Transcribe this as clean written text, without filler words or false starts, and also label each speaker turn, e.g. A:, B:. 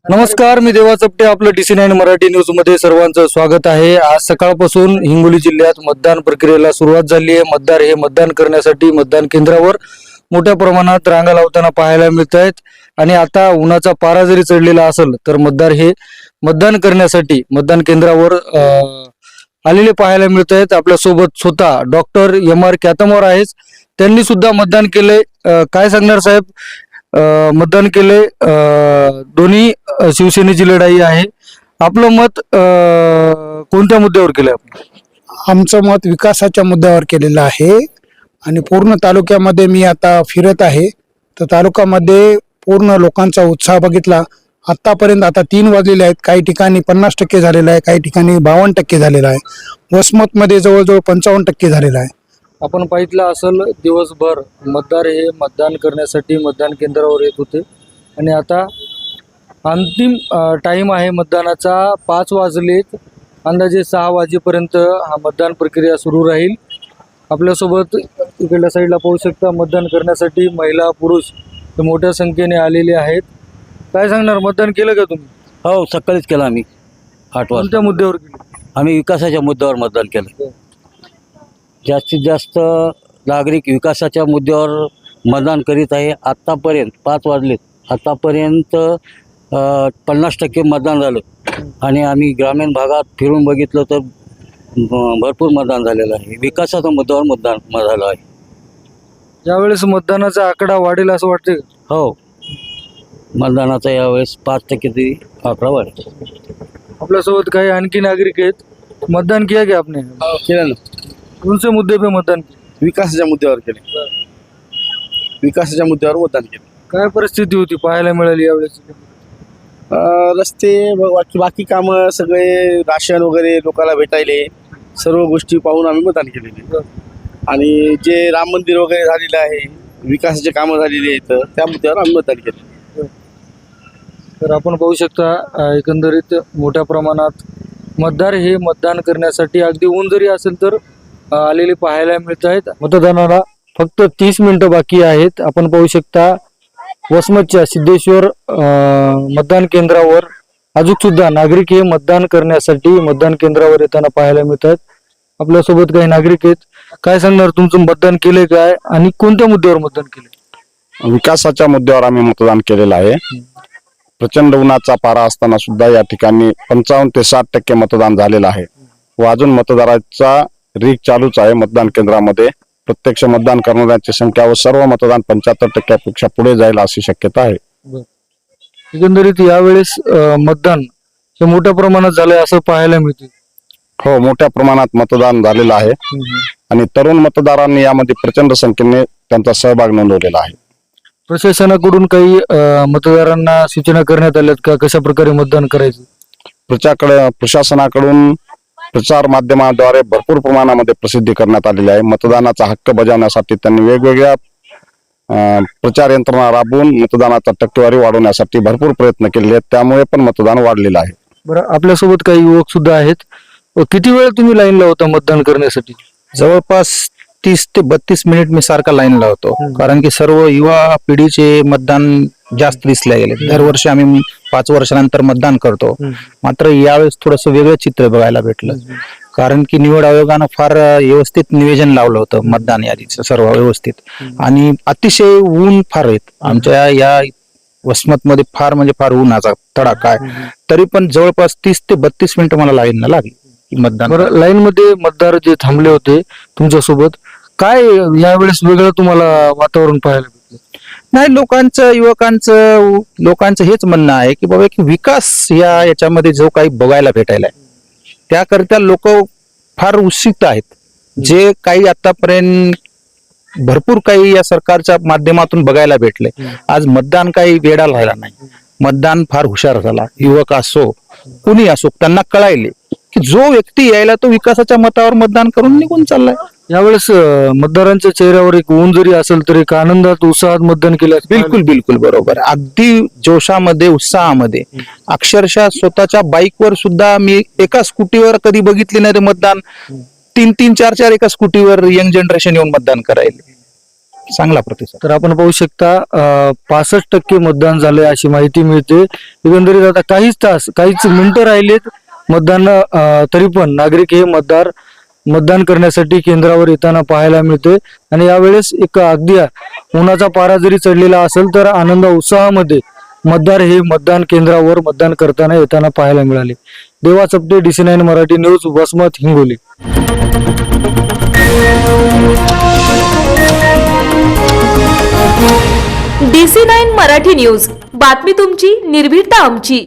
A: नमस्कार, मी देवा चपटे. आपलं DC9 मराठी न्यूज मध्ये सर्वांचं स्वागत आहे. आज सकाळपासून हिंगोली जिल्ह्यात मतदान प्रक्रियेला सुरुवात झाली आहे. मतदार हे मतदान करण्यासाठी मतदान केंद्रावर मोठ्या प्रमाणात रांगा लावताना पाहायला मिळत आहेत. आणि आता उन्हाचा पारा जरी चढलेला असेल तर मतदार हे मतदान करण्यासाठी मतदान केंद्रावर आलेले पाहायला मिळत आहेत. आपल्या सोबत स्वतः डॉक्टर MR कॅतमोर आहेत. त्यांनी सुद्धा मतदान केले. काय सांगणार साहेब? मतदान केले. दोन्ही शिवसेनेची लढाई आहे. आपलं मत कोणत्या मुद्द्यावर केलं आपण?
B: आमचं मत विकासाच्या मुद्द्यावर केलेलं आहे. आणि पूर्ण तालुक्यामध्ये मी आता फिरत आहे, तर तालुक्यामध्ये पूर्ण लोकांचा उत्साह बघितला. आतापर्यंत आता 3 वाजलेले आहेत. काही ठिकाणी 50% झालेला आहे, काही ठिकाणी 52% झालेला आहे. वसमतमध्ये जवळजवळ 55% झालेला आहे.
A: आपण पाहितलं असेल, दिवसभर मतदार हे मतदान करण्यासाठी मतदान केंद्रावर येत होते. आणि आता अंतिम टाइम आहे मतदानाचा. 5 वाजलेत. अंदाजे 6 वाजेपर्यंत हा मतदान प्रक्रिया सुरू राहील. आपल्यासोबत इकडल्या साईडला पाहू शकता, मतदान करण्यासाठी महिला पुरुष हे मोठ्या संख्येने आलेले आहेत. काय सांगणार, मतदान केलं का तुम्ही?
C: हो, सकाळीच केलं आम्ही 8 वाजता.
A: कोणत्या मुद्द्यावर केलं?
C: आम्ही विकासाच्या मुद्द्यावर मतदान केलं. जास्तीत जास्त नागरिक विकासाच्या मुद्द्यावर मतदान करीत आहे. आत्तापर्यंत 5 वाजलेत. आत्तापर्यंत 50% मतदान झालं. आणि आम्ही ग्रामीण भागात फिरून बघितलं तर भरपूर मतदान झालेलं आहे. विकासाच्या मुद्द्यावर मतदान झालं आहे.
A: यावेळेस मतदानाचा आकडा वाढेल असं वाटतं का?
C: हो, मतदानाचा यावेळेस 5% तरी आकडा वाढेल.
A: आपल्यासोबत काही आणखी नागरिक आहेत. मतदान किया क्या आपने?
D: केलं ना.
A: कौन से मुद्दे पे मतदान किया?
D: विकासाच्या मुद्द्यावर केले. विकासाच्या मुद्द्यावर मतदान केलं.
A: काय परिस्थिती होती पाहायला मिळाली यावेळेस?
D: रस्ते बाकी कामं सगळे, राशन वगैरे लोकांना भेटायले, सर्व गोष्टी पाहून आम्ही मतदान केलेले. आणि जे राम मंदिर वगैरे झालेलं आहे, विकासाचे कामं झालेली आहेत, त्या मुद्द्यावर आम्ही मतदान केलं.
A: तर आपण पाहू शकता, एकंदरीत मोठ्या प्रमाणात मतदार हे मतदान करण्यासाठी अगदी ऊन जरी असेल तर आलेले पाहायला मिळत आहेत. मतदानाला फक्त 30 मिनिटं बाकी आहेत. आपण पाहू शकता, वसमतच्या सिद्धेश्वर मतदान केंद्रावर अजून सुद्धा नागरिक हे मतदान करण्यासाठी मतदान केंद्रावर येताना पाहायला मिळत आहेत. आपल्यासोबत काही नागरिक आहेत. काय सांगणार, तुमचं मतदान केले काय आणि कोणत्या मुद्द्यावर मतदान केले?
E: विकासाच्या मुद्द्यावर आम्ही मतदान केलेलं आहे. प्रचंड उन्हाचा पारा असताना सुद्धा या ठिकाणी 55 ते 60% मतदान झालेलं आहे. व अजून मतदाराचा रीक चालूच आहे. मतदान केंद्रामध्ये प्रत्यक्ष मतदान करणाऱ्यांची संख्या व सर्व मतदान 75%पेक्षा पुढे जाईल अशी शक्यता आहे.
A: एकंदरीत यावेळेस मतदान हे मोठ्या प्रमाणात झालंय असं पाहायला मिळते.
E: हो, मोठ्या प्रमाणात मतदान झालेलं आहे. आणि तरुण मतदारांनी यामध्ये प्रचंड संख्येने त्यांचा सहभाग नोंदवलेला आहे.
A: प्रशासनाकडून काही मतदारांना सूचना करण्यात आल्यात का, कशा प्रकारे मतदान करायचं?
E: प्रशासनाकडून प्रचार माध्यमाद्वारे भरपूर प्रमाणामध्ये प्रसिद्धी करण्यात आलेली आहे. मतदानाचा हक्क बजावण्यासाठी त्यांनी वेगवेगळ्या प्रचार यंत्रणा राबवून मतदानाचा टक्केवारी वाढवण्यासाठी भरपूर प्रयत्न केले आहेत. त्यामुळे पण मतदान वाढलेलं आहे.
A: बरं, आपल्यासोबत काही युवक सुद्धा आहेत. किती वेळ तुम्ही लाईनला होता मतदान करण्यासाठी?
F: जवळपास 30 ते 32 मिनिट मी सारखा लाईनला होतो. कारण की सर्व युवा पिढीचे मतदान जास्त दिसले गेले. दरवर्षी आम्ही 5 वर्षानंतर मतदान करतो. मात्र यावेळेस थोडंसं वेगळं चित्र बघायला भेटलं. कारण की निवड आयोगानं फार व्यवस्थित नियोजन लावलं होतं मतदान यादीचं, सर्व व्यवस्थित. आणि अतिशय ऊन फार आहेत आमच्या या वसमतमध्ये. फार म्हणजे फार उन्हाचा तडाखा आहे. तरी पण जवळपास 30 ते 32 मिनिटं मला लाईनला लागली मतदान.
A: बरं, लाईन मध्ये मतदार जे थांबले होते तुमच्यासोबत, काय यावेळेस वेगळं तुम्हाला वातावरण पाहायला भेटलं?
F: नाही, लोकांचं हेच म्हणणं आहे की बाबा की विकास याच्यामध्ये जो काही बघायला भेटायला आहे त्याकरिता लोक फार उत्सुक आहेत. जे काही आतापर्यंत भरपूर काही या सरकारच्या माध्यमातून बघायला भेटले. आज मतदान काही वेडा राहिला नाही. मतदान फार हुशार झाला. युवक असो कुणी असो, त्यांना कळायले की जो व्यक्ती यायला तो विकासाच्या मतावर मतदान करून निघून चाललाय.
A: यावेळेस मतदारांच्या चेहऱ्यावर एक ऊन जरी असेल तरी एक आनंदात उत्साहात मतदान केलं.
F: बिलकुल बरोबर. अगदी जोशामध्ये, उत्साहामध्ये. अक्षरशः स्वतःच्या बाईकवर सुद्धा मी एका स्कूटीवर कधी बघितले नाही ते मतदान. 3-4 एका स्कूटीवर यंग जनरेशन येऊन मतदान करायला. चांगला प्रतिसाद.
A: तर आपण पाहू शकता 65% मतदान झालंय अशी माहिती मिळते. एकंदरीत आता काहीच मिनिटं राहिलेत मतदान, तरी पण नागरिक हे मतदान करण्यासाठी केंद्रावर येताना पाहायला मिळते. आणि यावेळेस एक अगदी उन्हाचा पारा जरी चढलेला असेल तर आनंद उत्साहामध्ये मतदार हे मतदान केंद्रावर मतदान करताना येताना पाहायला मिळाले. Deva Chapte, DC9 Marathi news, Vasmat, Hingoli.
G: DC9 Marathi news, बातमी तुमची, निर्भीडता आमची.